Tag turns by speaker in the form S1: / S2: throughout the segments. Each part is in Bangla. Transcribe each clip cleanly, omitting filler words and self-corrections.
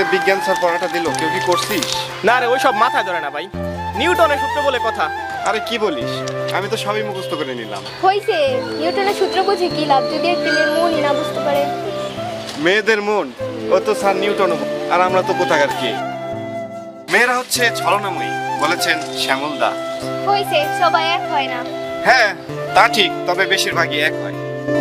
S1: বিজ্ঞান স্যার পড়াটা দিল, কেউ কি করছিস?
S2: না রে, ওই সব মাথায় ধরে না ভাই। নিউটনের সূত্র বলে কথা।
S1: আরে কি বলিস, আমি তো সবই মুখস্থ করে নিলাম।
S3: হইছে, নিউটনের সূত্র বুঝে কি লাভ যদি একটা মেয়ের মনই না বুঝতে পারে।
S1: মেয়েদের মন, ও তো স্যার নিউটন, আর আমরা তো কোথাকার কে। মেয়েরা হচ্ছে ছলনাময়ী বলেছেন শ্যামল দা।
S3: হইছে, সবাই এক হয় না।
S1: হ্যাঁ তা ঠিক, তবে বেশিরভাগই এক হয়।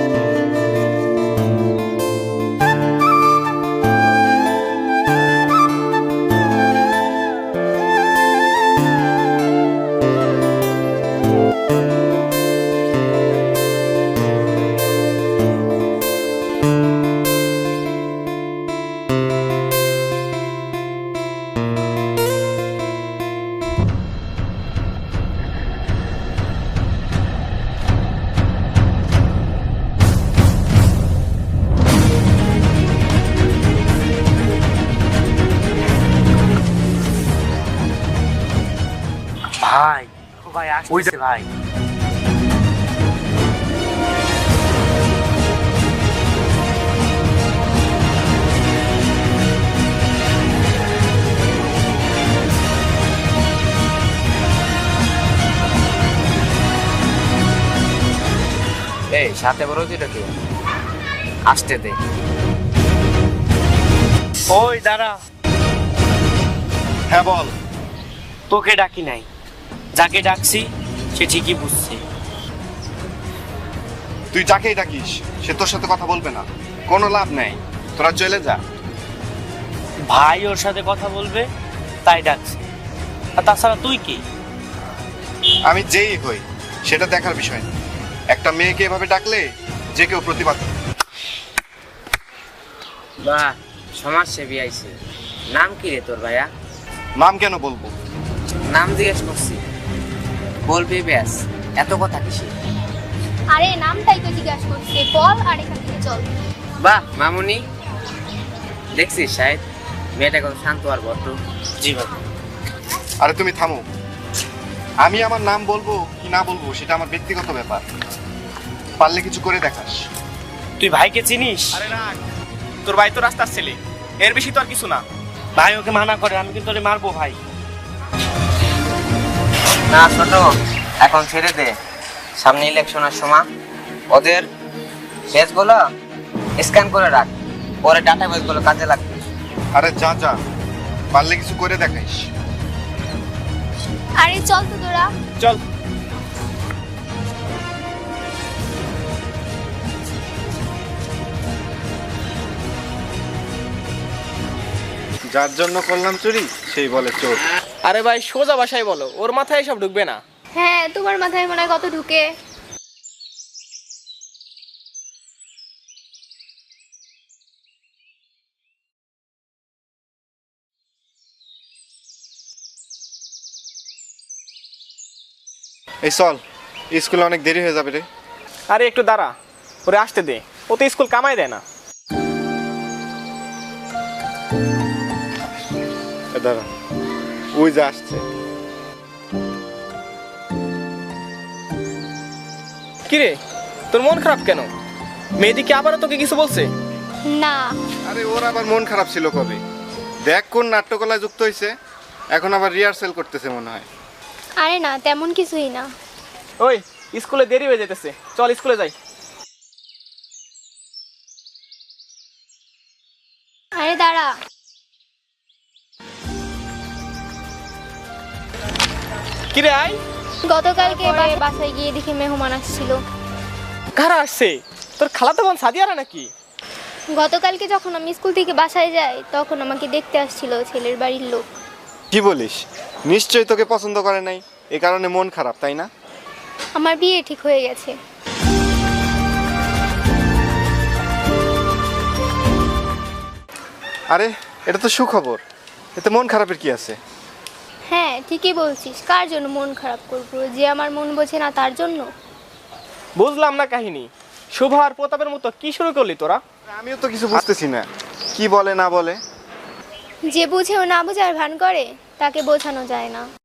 S4: ভাই ও ভাই আসছে ভাই। এই সাথে বড় দুইটা কি আসতে দে। ওই দাঁড়া।
S1: হ্যাঁ বল।
S4: তোকে ডাকি নাই, যাকে ডাকছি সে ঠিকই বুঝছে।
S1: তুই যাকেই ডাকিস সে তোর সাথে কথা বলবে না, কোনো লাভ নেই, তোরা চলে যা।
S4: ভাই ওর সাথে কথা বলবে তাই ডাকছে, আর তাছাড়া তুই কি?
S1: আমি যেই হই সেটা দেখার বিষয় না, একটা মেয়েকে এভাবে ডাকলে যে কেউ প্রতিবাদ করে।
S4: বাহ, সমাজসেবী আইছে। নাম কি রে তোর ভাইয়া?
S1: নাম কেন বলবো?
S4: নাম জিজ্ঞেস করছি, বলবি ব্যাস, এত কথা কিসে?
S3: আরে নামটাই তো জিজ্ঞাসা করছে, বল আর এখান থেকে চল।
S4: বাহ মামুনি, দেখছিস সাহেব মেয়েটা কত শান্ত আর ভদ্র। জি বাবা।
S1: আরে তুমি থামো, আমি আমার নাম বলবো কি না বলবো সেটা আমার ব্যক্তিগত ব্যাপার, পারলে কিছু করে দেখাস।
S4: তুই ভাইকে চিনিস?
S2: আরে রাখ, তোর ভাই তো রাস্তার ছেলে, এর বেশি তো আর কিছু না।
S4: ভাই ওকে মানা করে, আমি কিন্তু ওরে মারবো ভাই। না ছোট, এখন ছেড়ে দে, সামনে ইলেকশনের সময় ওদের পেজগুলো স্ক্যান করে রাখ, পরে ডাটা বেসগুলো কাজে লাগবে।
S1: আরে যা যা, পারলে কিছু করে দেখাইস।
S3: আরে চল তো তোরা।
S2: চল।
S1: যার জন্য করলাম চুরি সেই বলে চোর।
S2: আরে ভাই সোজা ভাষায় বলো, ওর মাথায় এসব ঢুকবে না।
S3: হ্যাঁ, তোমার মাথায় মনে হয় কত ঢুকে।
S1: এই চল, স্কুলে অনেক দেরি হয়ে যাবে রে।
S2: আরে একটু দাঁড়া, ওরে আসতে দে, ও তো স্কুল কামাই দেয় না।
S1: দাঁড়া, ওই যে আসছে।
S2: কিরে, তোর মন খারাপ কেন? মেয়েদিকে আবারও তোকে কিছু বলছে?
S3: না।
S1: আরে ওর আবার মন খারাপ ছিল কবে? দেখ কোন নাট্যকলায় যুক্ত হয়েছে, এখন আবার রিহার্সেল করতেছে মনে হয়।
S3: আরে না, তেমন কিছুই না।
S2: ওই স্কুলে দেরি হয়ে যেতেছে, চল স্কুলে যাই।
S3: আরে দাঁড়া।
S2: কিরে আয়।
S3: গতকালকে বাসায় গিয়ে দেখি মেহমান আসছিল।
S2: কারা আসছে? তোর খালাতো বোন সাদিয়ারা নাকি?
S3: গতকালকে যখন আমি স্কুল থেকে বাসায় যাই তখন আমাকে দেখতে আসছিল ছেলের বাড়ির লোক।
S1: কি বলিস? নিশ্চয়ই তোকে পছন্দ করে নাই, এ কারণে মন খারাপ, তাই না?
S3: আমার বিয়ে ঠিক হয়ে গেছে।
S1: আরে এটা তো সুখবর, এতে মন খারাপের কি আছে?
S3: হ্যাঁ ঠিকই বলছিস, কার জন্য মন খারাপ করবো? যে আমার মন বোঝে না তার জন্য।
S2: বুঝলাম না কাহিনী, শুভ আর প্রতাপের মতো কি শুরু করলি তোরা?
S1: আমিও তো কিছু বুঝতেছি না, কি বলে না বলে।
S3: যে বুঝেও না বোঝার ভান করে তাকে বোঝানো যায় না।